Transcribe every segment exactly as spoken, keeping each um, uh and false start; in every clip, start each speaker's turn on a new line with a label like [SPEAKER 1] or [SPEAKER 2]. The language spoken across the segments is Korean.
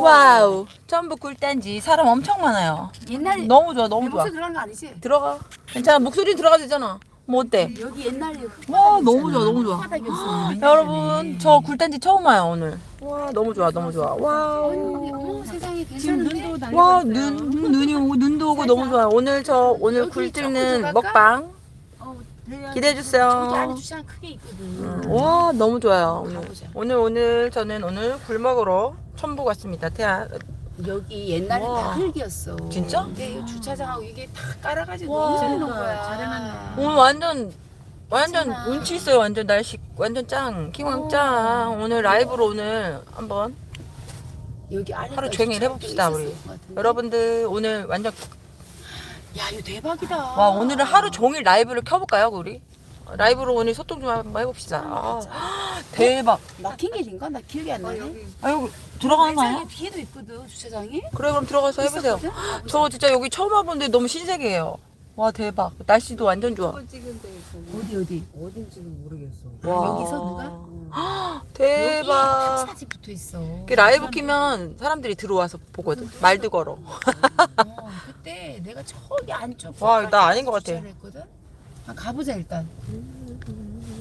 [SPEAKER 1] 와우. 전북 굴단지 사람 엄청 많아요.
[SPEAKER 2] 옛날에
[SPEAKER 1] 너무 좋아, 너무
[SPEAKER 2] 내
[SPEAKER 1] 좋아.
[SPEAKER 2] 목소리 들어간 거 아니지?
[SPEAKER 1] 들어가. 괜찮아, 목소리 들어가도 되잖아. 뭐 어때?
[SPEAKER 2] 여기 옛날에
[SPEAKER 1] 와, 너무 좋아, 너무 좋아.
[SPEAKER 2] 흙바닥이었어.
[SPEAKER 1] 여러분, 저 굴단지 처음 와요, 오늘. 와, 너무 좋아, 너무 좋아. 와우.
[SPEAKER 2] 어머 세상에 괜찮은데?
[SPEAKER 1] 와, 눈, 눈이 오고, 눈도 오고 너무 좋아요. 오늘 저, 오늘
[SPEAKER 2] 여기
[SPEAKER 1] 굴
[SPEAKER 2] 조금
[SPEAKER 1] 찍는
[SPEAKER 2] 들어갈까?
[SPEAKER 1] 먹방
[SPEAKER 2] 어,
[SPEAKER 1] 기대해
[SPEAKER 2] 저기 안에
[SPEAKER 1] 주세요.
[SPEAKER 2] 주차장 크게 있거든.
[SPEAKER 1] 음, 와, 너무 좋아요. 오늘,
[SPEAKER 2] 가보자.
[SPEAKER 1] 오늘, 오늘 저는 오늘 굴 먹으러 천북 왔습니다. 태안.
[SPEAKER 2] 여기 옛날에
[SPEAKER 1] 와.
[SPEAKER 2] 다 흙이었어.
[SPEAKER 1] 진짜?
[SPEAKER 2] 근데 이 주차장하고 이게 다 깔아가지고
[SPEAKER 1] 와.
[SPEAKER 2] 너무 잘 놓은 거야. 잘해놨네.
[SPEAKER 1] 오늘 완전, 완전
[SPEAKER 2] 괜찮아.
[SPEAKER 1] 운치 있어요. 완전 날씨, 완전 짱. 킹왕 짱. 오늘 라이브로 오늘 한번
[SPEAKER 2] 여기 안에
[SPEAKER 1] 하루 종일 해봅시다, 우리. 여러분들, 오늘 완전,
[SPEAKER 2] 야 이거 대박이다.
[SPEAKER 1] 와, 오늘은 하루 종일 라이브를 켜볼까요, 우리? 라이브로 오늘 소통 좀 한번 해봅시다. 아, 대박.
[SPEAKER 2] 막힌 길인가? 나 기억이 안 나네.
[SPEAKER 1] 아, 여기 들어가는 거 아니야?
[SPEAKER 2] 왼쪽에 뒤에도 있거든 주차장이.
[SPEAKER 1] 그래, 그럼 들어가서 해보세요.
[SPEAKER 2] 있었거든?
[SPEAKER 1] 저 진짜 여기 처음 와본데 너무 신세계예요. 와, 대박. 날씨도 완전 좋아.
[SPEAKER 2] 어디 어디?
[SPEAKER 3] 어딘지는 모르겠어.
[SPEAKER 1] 와.
[SPEAKER 2] 여기서 누가?
[SPEAKER 1] 대박.
[SPEAKER 2] 여기 탑사지 붙어 있어.
[SPEAKER 1] 그 라이브 키면 사람들이 들어와서 보거든. 말도 걸어.
[SPEAKER 2] 어, 그때 내가 저기 안쪽.
[SPEAKER 1] 와, 나 아닌 것 같아.
[SPEAKER 2] 주차를 했거든? 아, 가보자 일단.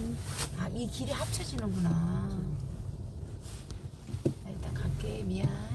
[SPEAKER 2] 아, 이 길이 합쳐지는구나. 나 일단 갈게. 미안.